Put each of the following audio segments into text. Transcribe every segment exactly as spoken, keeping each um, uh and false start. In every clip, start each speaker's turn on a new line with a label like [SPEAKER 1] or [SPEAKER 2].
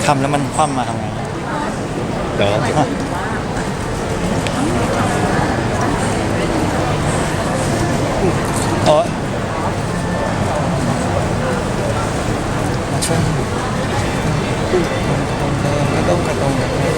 [SPEAKER 1] ทำแล้วมันคว่ำมาทำไง
[SPEAKER 2] เดี๋ยว
[SPEAKER 1] โอ้มาช่วยกระตรงกระตรงกระตรง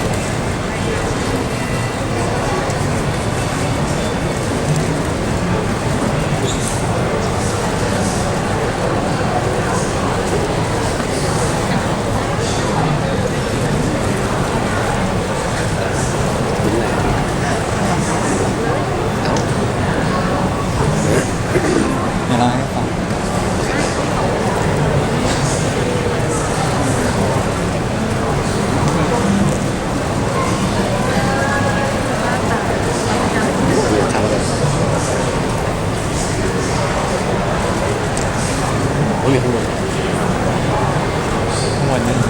[SPEAKER 1] เดี๋ยวเราให้ฟัง
[SPEAKER 2] ทำอะไรโอ้ยมีข้างบน
[SPEAKER 1] ข้างบนนี่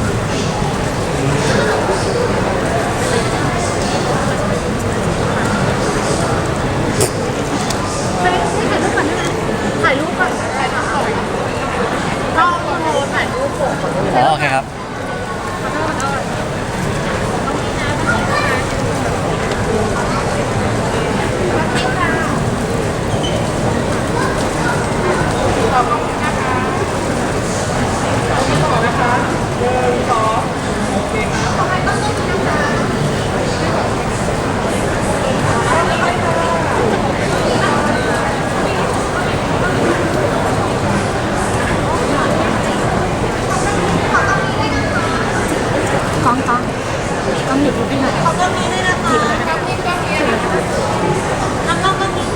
[SPEAKER 3] ถ่ายรูปก่อนถ่ายรูปก่อนก็โมโหถ่ายรูปผม
[SPEAKER 1] อ๋อโอเคครับ
[SPEAKER 3] กล้องกล้องกล้องหยิบรูปให้หน่อยเขาก็มีด้วยนะคะกล้องนี้กล้องนี้น้ำกล้องก็มี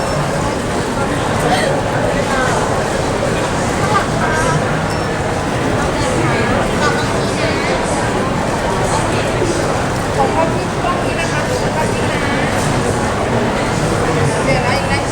[SPEAKER 3] ของกล้องนี้กล้องนี้นะคะกล้องนี้นะเดี๋ยวอะไรนะ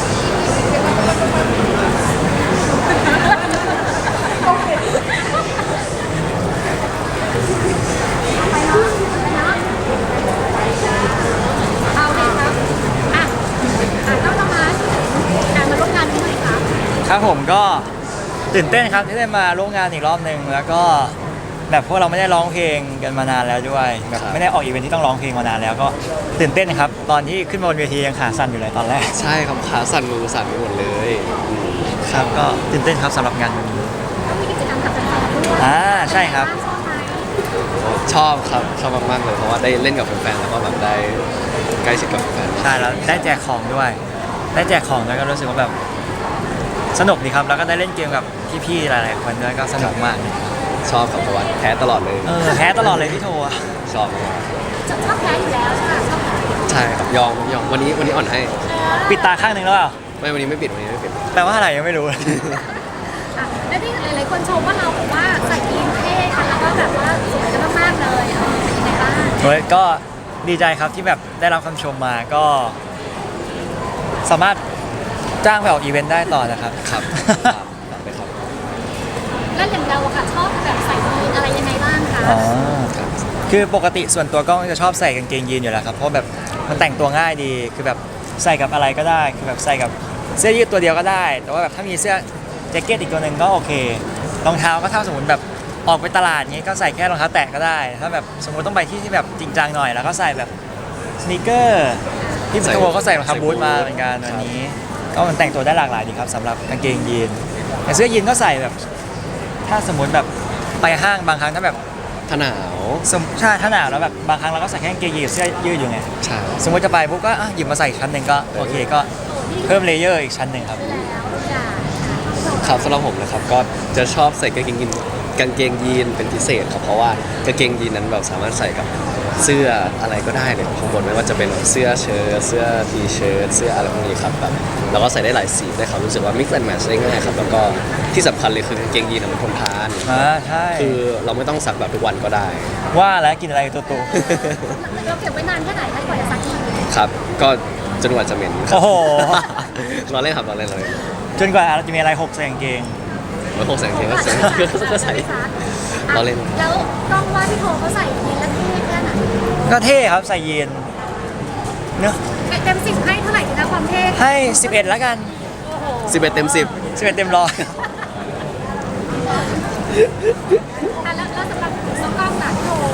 [SPEAKER 3] เอาเลยครับอ่ะอ่ะต้องทำมาการมาร่วมงานนี้หน่อยครับ
[SPEAKER 1] ครับผมก็ตื่นเต้นครับที่ได้มาร่วมงานอีกรอบหนึ่งแล้วก็แบบพวกเราไม่ได้ร้องเพลงกันมานานแล้วด้วยแบบไม่ได้ออกอีเวนท์ที่ต้องร้องเพลงมานานแล้วก็ตื่นเต้นครับตอนที่ขึ้นมาบนเวทียังขาสั่นอยู่เลยตอนแรก
[SPEAKER 2] ใช่ครับขาสั่นมือสั่นไปหมดเลยอืม
[SPEAKER 1] ครับก็ตื่นเต้นครับสำหรับงานวันนี้
[SPEAKER 3] ก็มีกิจกรรมกับแฟนๆด้วย
[SPEAKER 1] อ่าใช่ครับ
[SPEAKER 3] ชอบไหม
[SPEAKER 2] ชอบครับชอบมากๆเลยเพราะว่าได้เล่นกับแฟนๆแล้วก็แบบได้ใกล้ชิดกับแฟน
[SPEAKER 1] ใช่แล้วได้แจกของด้วย ได้แจกของด้วยก็รู้สึกว่าแบบสนุกดีครับแล้วก็ได้เล่นเกมกับพี่ๆหลายๆคนด้วยก็สนุกมากเลย
[SPEAKER 2] ชอบครับเพราะว่าแพ้ตลอดเลย
[SPEAKER 1] เออแพ้ตลอดเลยพี่โทอะ
[SPEAKER 2] ชอบมาก
[SPEAKER 3] ชอบแพ้อยู่แล้วใช่ไหมชอบแพ้
[SPEAKER 2] ใช่ครับยอมยอมวันนี้วันนี้อ่อนให้
[SPEAKER 1] ปิดตาข้างหนึ่งแล้วเปล่า
[SPEAKER 2] ไม่วันนี้ไม่ปิดวันนี้ไม่ปิด
[SPEAKER 1] แปลว่าอะไรยังไม่รู้
[SPEAKER 3] อ่ะแล้วที่หลายๆคนชมว่าเราแบบว่าใส่ยีนเท่ค่ะแล้วก็แบบว่าสวยกันมากๆเลยเออเป็นยังไงบ้าง
[SPEAKER 1] เฮ้ยก็ดีใจครับที่แบบได้รับคำชมมาก็สามารถจ้างไปออกอีเวนต์ได้ต่อนะครับ
[SPEAKER 2] ครับครับไปครับ
[SPEAKER 3] แล้วอย่างเราอะค่ะชอบแบบใส่ยีนอะไรยังไงบ้างคะ
[SPEAKER 1] อ๋อ
[SPEAKER 2] ครับ
[SPEAKER 1] คือปกติส่วนตัวก็จะชอบใส่กางเกงยีนอยู่แล้วครับเพราะแบบมันแต่งตัวง่ายดีคือแบบใส่กับอะไรก็ได้คือแบบใส่กับเสื้อยืดตัวเดียวก็ได้ แต่ว่าแบบถ้ามีเสื้อแจ็คเก็ตอีกตัวหนึ่งก็โอเครองเท้าก็ถ้าสมมติแบบออกไปตลาดเงี้ยก็ใส่แค่รองเท้าแตะก็ได้ ถ้าแบบสมมติต้องไปที่ที่แบบจริงจังหน่อยแล้วก็ใส่แบบสนีกเกอร์ที่พี่โตก็ใส่รองเท้าบูทมาเหมือนกันวันนี้ ก็มันแต่งตัวได้หลากหลายดีครับสำหรับกางเกงยีนแต่เสื้อยีนก็ใส่แบบ ถ้าสมมติแบบไปห้างบางครั้งถ้าแบบ
[SPEAKER 2] ถ้าหนาว
[SPEAKER 1] สมใช่ถ้าหนาวแล้วแบบบางครั้งเราก็ใส่แค่กางเกงยีนกับเสื้อยืดอยู่ไง
[SPEAKER 2] ใช่
[SPEAKER 1] สมมติจะไปปุ๊บก็อ่ะหยิบมาใส่อีกชั้นหนึ่งก็โอเคก็เพิ่มเลเยอร์อีกชั้นหนึ่งครับ
[SPEAKER 3] แล้วทุกอย่าง
[SPEAKER 2] ครับสำหรับผมนะครับก็จะชอบใส่กางเกงยีนกางเกงยีนเป็นพิเศษครับเพราะว่ากางเกงยีนนั้นแบบสามารถใส่กับเสื้ออะไรก็ได้เลยข้างบนไม่ว่าจะเป็นเสื้อเชิ้ตเสื้อทีเชิ้ตเสื้ออะไรพวกนี้ครับแบบแล้วก็ใส่ได้หลายสีได้ครับรู้สึกว่า mix and match ได้ง่ายครับแล้วก็ที่สำคัญเลยคือกางเกงยีนมันทนทาน
[SPEAKER 1] อ่าใช่
[SPEAKER 2] คือเราไม่ต้องซักแบบทุกวันก็ได้
[SPEAKER 1] ว่าแล้วกินอะไรตัวโต
[SPEAKER 3] เราเก็บไว้นานแค่ไหนคะกว่าจะซักที
[SPEAKER 2] ครับ ก็จนกว่าจะเหม็นครั
[SPEAKER 1] โอ้โห
[SPEAKER 2] เราเล่นครับเราเล่นเราเล่น
[SPEAKER 1] จนกว่าเราจะมีอะไรหกใส่กางเกง
[SPEAKER 2] เราคงใส่กางเกงก็ใส่ก็ใส่ เราเล่น
[SPEAKER 3] แล้วต้องว่าพี่โทเขาใส่ยีนแล้วเท่แค่ไหน
[SPEAKER 1] ก็เท่ครับใส่ยีนเนอะ
[SPEAKER 3] เต็มสิบให้เท่าไหร่ดีนะความเท่
[SPEAKER 1] ให้สิบเอ็ดแล้วกัน
[SPEAKER 3] โอ้โห
[SPEAKER 2] สิบเอ็ดเต็มสิบ
[SPEAKER 1] สิบเอ็ดเต็มร้อย
[SPEAKER 3] อ่ะแล้วแล้วสำหรับน้องกล้องล่ะพี่โท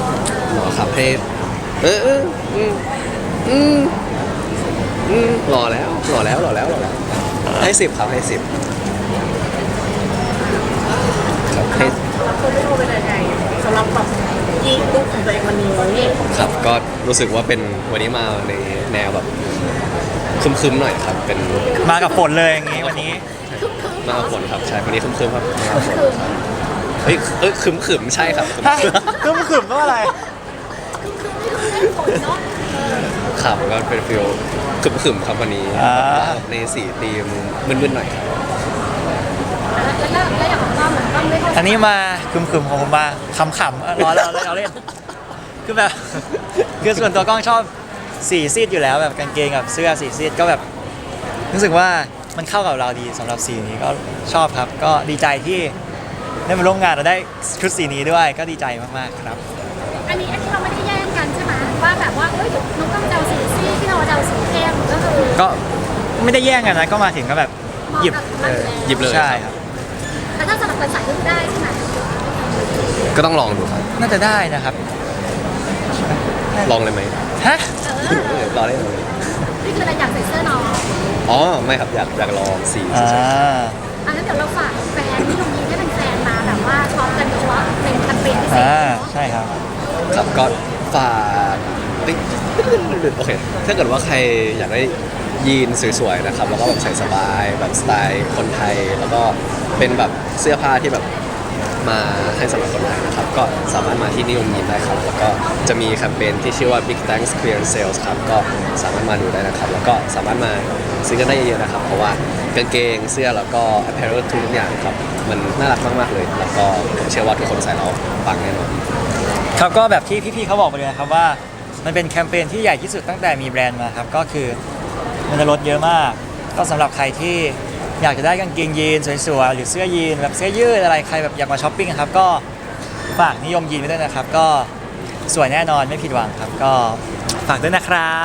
[SPEAKER 2] ครับให้เออเอออืมอืมอืมรอแล้วรอแล้วรอแล้วรอแล้วให้สิบครับให้สิบครับให้
[SPEAKER 3] แล้วคนไม่รู้เป็นยังไงสำหรับแบบยีลุกของตัวเองวันนี้
[SPEAKER 2] ครับก็รู้สึกว่าเป็นวันนี้มาในแนวแบบคึมๆหน่อยครับเป็น
[SPEAKER 1] มากับฝนเลยอย่างงี้วันนี้
[SPEAKER 2] มากับฝนครับใช่วันนี้คึมๆครับมากับฝนเฮ้ยเอ้ยคึมๆใช่ครับคึม
[SPEAKER 1] ฮะก็มันขึ้นก็อะไร
[SPEAKER 2] ครับก็เป็นฟิลคึมๆครับวันนี้
[SPEAKER 1] อ่า
[SPEAKER 2] ในสีธีมมึนๆหน่อยครับ
[SPEAKER 3] แล้วแล้วอย่างของต้อมเหมือนต้อมไม่เข้า
[SPEAKER 1] อันนี้มาคึมๆของผมมาขำๆเออร้อนเราเล่นเราเล่นคือแบบ คือส่วนตัวกล้องชอบสีซีดอยู่แล้วแบบกางเกงกับเสื้อสีซีดก็แบบรู้สึกว่ามันเข้ากับเราดีสำหรับสีนี้ก็ชอบครับ ก็ดีใจที่ได้มาร่วมงานเราได้ชุดสีนี้ด้วยก็ดีใจมากๆครับ
[SPEAKER 3] อันนี้อันนี้เราไม่ได้แย่งกันใช่ไหมว่าแบบว่าเอ้ยน้องต้อมจะเอาสีซีที่เราจะเอาสีเข้มก็คือ
[SPEAKER 1] ก็ไม่ได้แย่งกันนะก็มาถึงก็แบบหยิบ
[SPEAKER 3] เหมาะกับมัน
[SPEAKER 1] เออ
[SPEAKER 2] หยิบเลย
[SPEAKER 1] ใช่ครับ
[SPEAKER 3] แต่ถ้าสำหรับคนใส่ก็คือได้ใช่ไหม
[SPEAKER 2] ก็ต้องลองดูครับ
[SPEAKER 1] น่าจะได้นะครับ
[SPEAKER 2] ลองเลยไหม
[SPEAKER 1] ฮะ
[SPEAKER 3] เออ
[SPEAKER 2] เออรอได้เลย
[SPEAKER 3] นี่คืออะไรอยากใส่เสื้อน้อง
[SPEAKER 2] อ๋อไม่ครับอยากอยากลองสี
[SPEAKER 1] อ่า
[SPEAKER 2] เฉย
[SPEAKER 3] อันนั้นเดี๋ยวเราฝากแฟนที่ตรงนี้ให้เป็นแฟนมาแบบว่าช็อปกันโดยเฉพาะเป็นแคมเปญพิเศษ
[SPEAKER 1] อ่า
[SPEAKER 3] เนาะ
[SPEAKER 1] ใช่ครับ
[SPEAKER 2] ๆครับก็ฝากเอ้ยโอเคถ้าเกิดว่าใครอยากได้ยีนสวยๆนะครับแล้วก็แบบใส่สบายแบบสไตล์คนไทย แล้วก็เป็นแบบเสื้อผ้าที่แบบมาให้สำหรับคนไทยนะครับก็สามารถมาที่นิยมยีนได้ครับแล้วก็จะมีแคมเปญที่ชื่อว่า Big Thanks Clearance Sales ครับก็สามารถมาดูได้นะครับ แล้วก็สามารถมาซื้อกันได้เยอะๆนะครับ เพราะว่ากางเกงเสื้อแล้วก็ apparel ทุกอย่างครับมันน่ารักมากๆเลย แล้วก็ผมเชื่อว่าทุกคนใส่แล้วปังแน่นอน
[SPEAKER 1] ครับก็แบบที่พี่ๆเขาบอกไปเลยนะครับว่ามันเป็นแคมเปญที่ใหญ่ที่สุดตั้งแต่มีแบรนด์มาครับก็คือมันจะลดเยอะมาก ก็สำหรับใครที่อยากจะได้กางเกงยีนสวยๆหรือเสื้อยีนแบบเสื้อยืดอะไรใครแบบอยากมาช้อปปิ้งครับก็ฝากนิยมยีนไว้ด้วยนะครับ ก็สวยแน่นอนไม่ผิดหวังครับ ก็ฝากด้วยนะครับ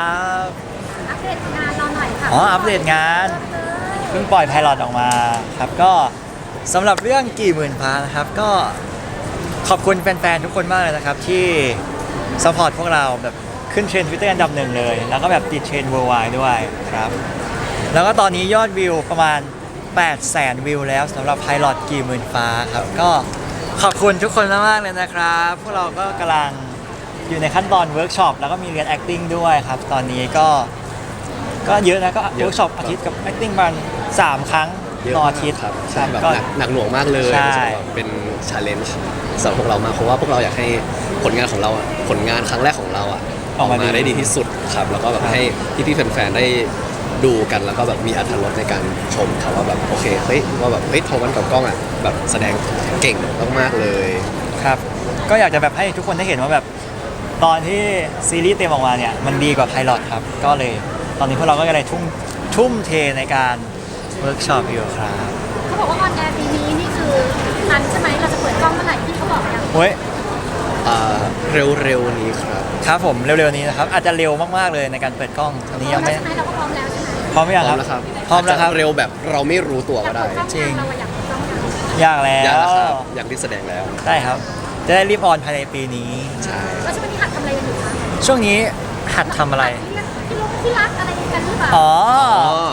[SPEAKER 3] อัปเดตงานเราหน่อยค่ะ
[SPEAKER 1] อ๋ออัปเดตงาน เพิ่งปล่อยไพลอตออกมาครับก็สำหรับเรื่องกี่หมื่นฟ้านะครับก็ขอบคุณแฟนๆทุกคนมากเลยนะครับที่สปอร์ตพวกเราแบบขึ้นเทรนด์ทวิตเตอร์อันดับหนึ่งเลย แล้วก็แบบติดเทรนด์ worldwide ด้วยครับ แล้วก็ตอนนี้ยอดวิวประมาณ แปดแสน วิวแล้วสำหรับไพลอตกี่หมื่นฟ้าครับก็ขอบคุณทุกคนมากๆเลยนะครับ พวกเราก็กำลังอยู่ในขั้นตอนเวิร์กช็อปแล้วก็มีเรียน acting ด้วยครับ ตอนนี้ก็ก็เยอะนะก็
[SPEAKER 2] เยอะ
[SPEAKER 1] เวิร์กช็อปอาทิตย์กับ acting ประมาณสามครั้ง
[SPEAKER 2] เยอะ
[SPEAKER 1] ต่อ
[SPEAKER 2] มาก
[SPEAKER 1] อาทิตย์
[SPEAKER 2] ครับ
[SPEAKER 1] ค
[SPEAKER 2] ใช่
[SPEAKER 1] รับ
[SPEAKER 2] แบบ
[SPEAKER 1] ก็
[SPEAKER 2] หนักหนักหน่วงมากเลย
[SPEAKER 1] ใช่
[SPEAKER 2] รู้สึกว่าเป็นชาเลนจ์สำหรับพวกเรามากเพราะว่าพวกเราอยากให้ผลงานของเราอะผลงานครั้งแรกของเราอะออกมาได้ดีที่สุดครับแล้วก็แบบให้พี่ๆแฟนๆได้ดูกันแล้วก็แบบมีอรรถรสในการชมครับว่าแบบโอเคเฮ้ยว่าแบบเฮ้ยโทมันกับกล้องอะแบบแสดงเก่งมากๆเลย
[SPEAKER 1] ครับก็อยากจะแบบให้ทุกคนได้เห็นว่าแบบตอนที่ซีรีส์เต็มออกมาเนี่ยมันดีกว่าไพลอตครับก็เลยตอนนี้พวกเราก็เลยทุ่มทุ่มเทในการเวิร์กช็อปอยู่ครับ
[SPEAKER 3] เขาบอกว่าออนแอร์ปีนี้นี่คือทันใช่ไหมเราจะเปิดกล้องเมื่อไหร่ที่เขาบอกยัง
[SPEAKER 1] เฮ้ย
[SPEAKER 2] อ่าเร็วๆนี้ครับ
[SPEAKER 1] ครับผมเร็วๆนี้นะครับอาจจะเร็วมากๆเลยในการเปิดกล้องตอนนี้
[SPEAKER 3] พร้อ
[SPEAKER 1] ยั
[SPEAKER 3] ม
[SPEAKER 1] ง
[SPEAKER 3] แล้ว
[SPEAKER 1] ไม่
[SPEAKER 3] ใช่ไหมเราก็พร้อมแล้วใช่ไหม
[SPEAKER 1] พร้อมหรือยัง
[SPEAKER 2] พร้
[SPEAKER 1] ค
[SPEAKER 2] อ
[SPEAKER 1] รั
[SPEAKER 2] ม
[SPEAKER 1] บ
[SPEAKER 2] แล้วครับ
[SPEAKER 1] พร้อมแล้วครับ
[SPEAKER 2] าจจะเร็วแบบเราไม่รู้ตัวก็ได้
[SPEAKER 3] อยากเปิดกล้อง
[SPEAKER 1] จริง
[SPEAKER 3] เราอยากเปิดกล้องยัง
[SPEAKER 1] อยากแล้ว
[SPEAKER 2] อยากแล้วครับอยากที่แสดงแล้ว
[SPEAKER 1] ได้ครับ จะได้รีบออนภายในปีนี้
[SPEAKER 2] ใช่
[SPEAKER 3] แล้วช่วงนี้หัดทำอะไรกันอยู่คะ
[SPEAKER 1] ช่วงนี้หัดทำอะไร
[SPEAKER 3] ที่รักที่รักที่รักอะไรกันหรือเปล่า
[SPEAKER 1] อ๋อ
[SPEAKER 2] อ๋อ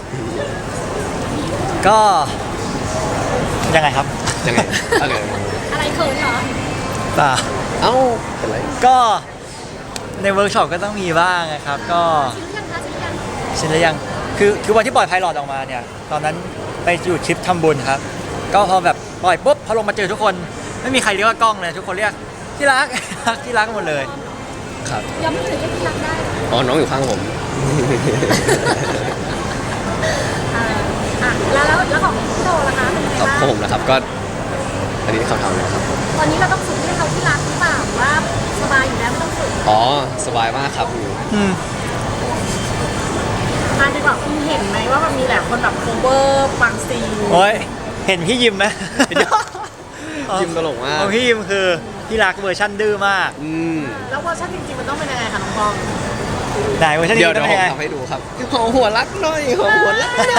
[SPEAKER 1] ก็ยังไงครับ
[SPEAKER 2] ยังไงอะไร
[SPEAKER 3] อะไรเขินเหรอ
[SPEAKER 1] ป่า
[SPEAKER 2] เอ้าเป็นไร
[SPEAKER 1] ก็ในเวิร์กช็อปก็ต้องมีบ้างนะครับ ก็
[SPEAKER 3] ชิลหรือยังคะชิลหรือยัง
[SPEAKER 1] ชินหรือยังคือคือวันที่ปล่อยไพลอตออกมาเนี่ยตอนนั้นไปอยู่ทริปทำบุญครับ ก็พอแบบปล่อยปุ๊บพอลงมาเจอทุกคนไม่มีใครเรียกว่ากล้องเลยทุกคนเรียกที่รัก ที่รักหมดเลย
[SPEAKER 2] ครับ
[SPEAKER 3] ยังไม่ถึงเรียกที่รักได้
[SPEAKER 2] อ๋อน้องอยู่ข้างผม
[SPEAKER 3] อ่าอ่ะแล้วแล้วแล้วของพี่โตล่ะคะเป็นยังไง
[SPEAKER 2] ครับ
[SPEAKER 3] บ้าง
[SPEAKER 2] ของผมนะครับก็อันนี้คำถามนะครับ
[SPEAKER 3] ตอนนี้เราต้องฝึกเรียกเขาที่รักหรือเปล่าหรือว่าสบายอยู่แล้วไม่ต้องฝึก
[SPEAKER 2] อ๋อสบายมากครับอยู่
[SPEAKER 1] อืม
[SPEAKER 4] อ่ะดีกว่าคุณเห็นไหมว่ามันมีหลายคนแบบโคเวอร์บางซีน
[SPEAKER 1] โอ้ยเห็นพี่ยิมไหม
[SPEAKER 2] ยิ้มตลกมาก
[SPEAKER 1] ของพี่ยิมคือที่รักเวอร์ชันดื้อมาก
[SPEAKER 2] อืม
[SPEAKER 4] แล้วเวอร์ชันจริงๆมันต้องเป็นยังไงคะน้องปอง
[SPEAKER 1] ไหนเวอร์ชัน
[SPEAKER 2] เดี๋
[SPEAKER 1] นี้
[SPEAKER 2] ยว
[SPEAKER 1] ต้
[SPEAKER 2] เดี๋
[SPEAKER 1] อย ง
[SPEAKER 2] ว
[SPEAKER 1] เป็นยังไง
[SPEAKER 2] ผมทำให้ดูครับหอมหัวรักหน่อยหอมหัวรักหน่อย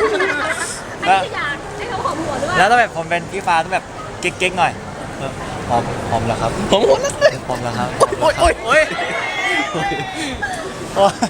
[SPEAKER 3] ไม่ได้อยากให้เขาหอมหัวด้วย
[SPEAKER 1] แล้วต้องแบบผมเป็นพี่ฟ้าต้องแบบเก๊กๆหน่อยเออหอมหอมแล้วครับ
[SPEAKER 2] ผมหมดแล้วเลย
[SPEAKER 1] หอมแล้วครับ
[SPEAKER 2] โอ๊ยโอ๊ย
[SPEAKER 1] โอ๊ยโอ๊ย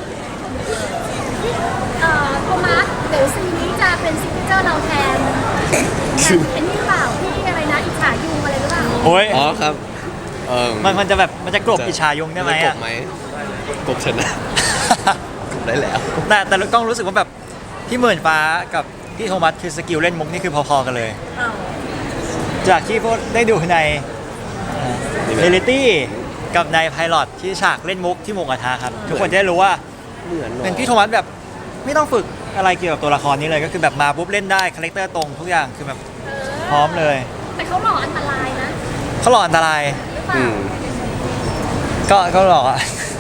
[SPEAKER 3] เอ่อโทมัสเดี๋ยวซีนนี้จะเป็นซิกเนเจอร์เราแทนแบบเป็นนี่หรือเปล่าพี่อะไรนะอิจฉายุงอะไรหรือเปล่า
[SPEAKER 1] โอ๊ย
[SPEAKER 2] อ๋อครับเออ
[SPEAKER 1] มันมันจะแบบมันจะกลบอิชายุงได้ไหม
[SPEAKER 2] ก
[SPEAKER 1] อ่ะ
[SPEAKER 2] บไหมกบชนะกบได้แล้ว
[SPEAKER 1] แต่แต่กล้องรู้สึกว่าแบบพี่หมื่นฟ้ากับพี่โทมัสคือสกิลเล่นมุกนี่คือพอๆกันเลย
[SPEAKER 4] อ้าว
[SPEAKER 1] จากที่พวกได้ดูในเรลิตี้กับในไพลอตที่ฉากเล่นมุกที่หมูกระทะครับ ทุกคนจะได้รู้ว่า
[SPEAKER 2] เหมือนหรอ
[SPEAKER 1] เป็นพี่โทมัสแบบไม่ต้องฝึกอะไรเกี่ยวกับตัวละครนี้เลยก็คือแบบมาปุ๊บเล่นได้คาแรคเตอร์ตรงทุกอย่างคือแบบพร้อมเลย
[SPEAKER 3] แต่เขาหล่ออันตรายนะ
[SPEAKER 1] เขาหล่ออันตราย
[SPEAKER 3] หรือเปล่า
[SPEAKER 2] อืม
[SPEAKER 1] ก็ก็หล่ออะ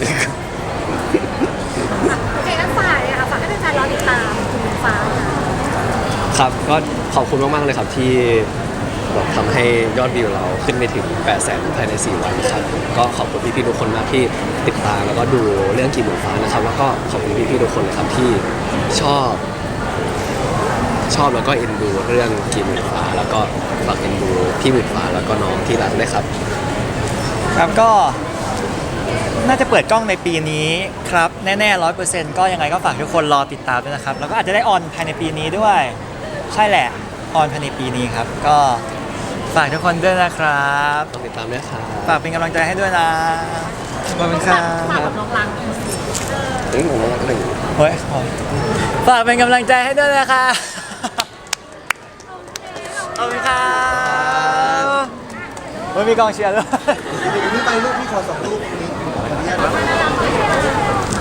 [SPEAKER 3] โอเคงั้นฝากเลยค่ะฝากให้แฟนๆรอติดตามคุณฟ้าค่ะ
[SPEAKER 2] ครับก็ขอบคุณมากๆเลยครับที่แบบทำให้ยอดวิวเราขึ้นไปถึงแปดแสนภายในสี่วันครับก็ขอบคุณพี่ๆทุกคนมากที่ติดตามแล้วก็ดูเรื่องกี่หมื่นฟ้านะครับ แล้วก็ขอบคุณพี่ๆทุกคนเลยครับที่ชอบ ชอบแล้วก็เอ็นดูเรื่องกี่หมื่นฟ้า แล้วก็ฝากเอ็นดูพี่หมื่นฟ้าแล้วก็น้องที่รักด้วยครับ
[SPEAKER 1] ครับก็น่าจะเปิดกล้องในปีนี้ครับแน่ๆร้อยเปอร์เซ็นต์ก็ยังไงก็ฝากทุกคนรอติดตามด้วยนะครับแล้วก็อาจจะได้ออนภายในปีนี้ด้วย ใช่แหละออนภายในปีนี้ครับ ก็ฝากทุกคนด้วยนะครับ
[SPEAKER 2] ต้องติดตามด้วยครับ
[SPEAKER 1] ฝากเป็นกำลังใจให้ด้วยนะขอบคุณครั
[SPEAKER 4] ฝาก
[SPEAKER 1] บ
[SPEAKER 4] กับน้องรัง
[SPEAKER 2] เอ้ยผมว่าหนึ่ง
[SPEAKER 1] เฮ้ยฝากเป็นกำลังใจให้ด้วยนะคะขอบคุณครับเฮ้ยมีกองเชียร์ด้วย
[SPEAKER 5] เดี๋ยวนี้ไปลูกพี่ขอสองลูกนี้ขออนุญาตนะ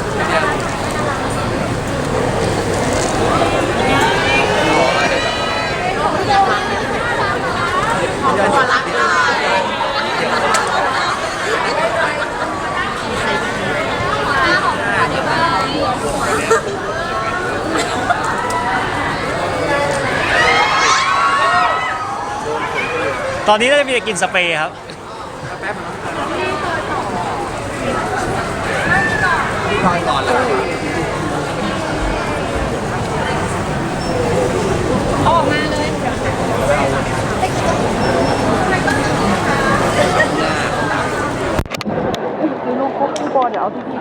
[SPEAKER 1] ตอนนี้น่าจะมีแต่กินสเปรย์ครับ
[SPEAKER 3] ออกมาเลย
[SPEAKER 4] ลูกคุกบอลเดี๋ยวเอาพี่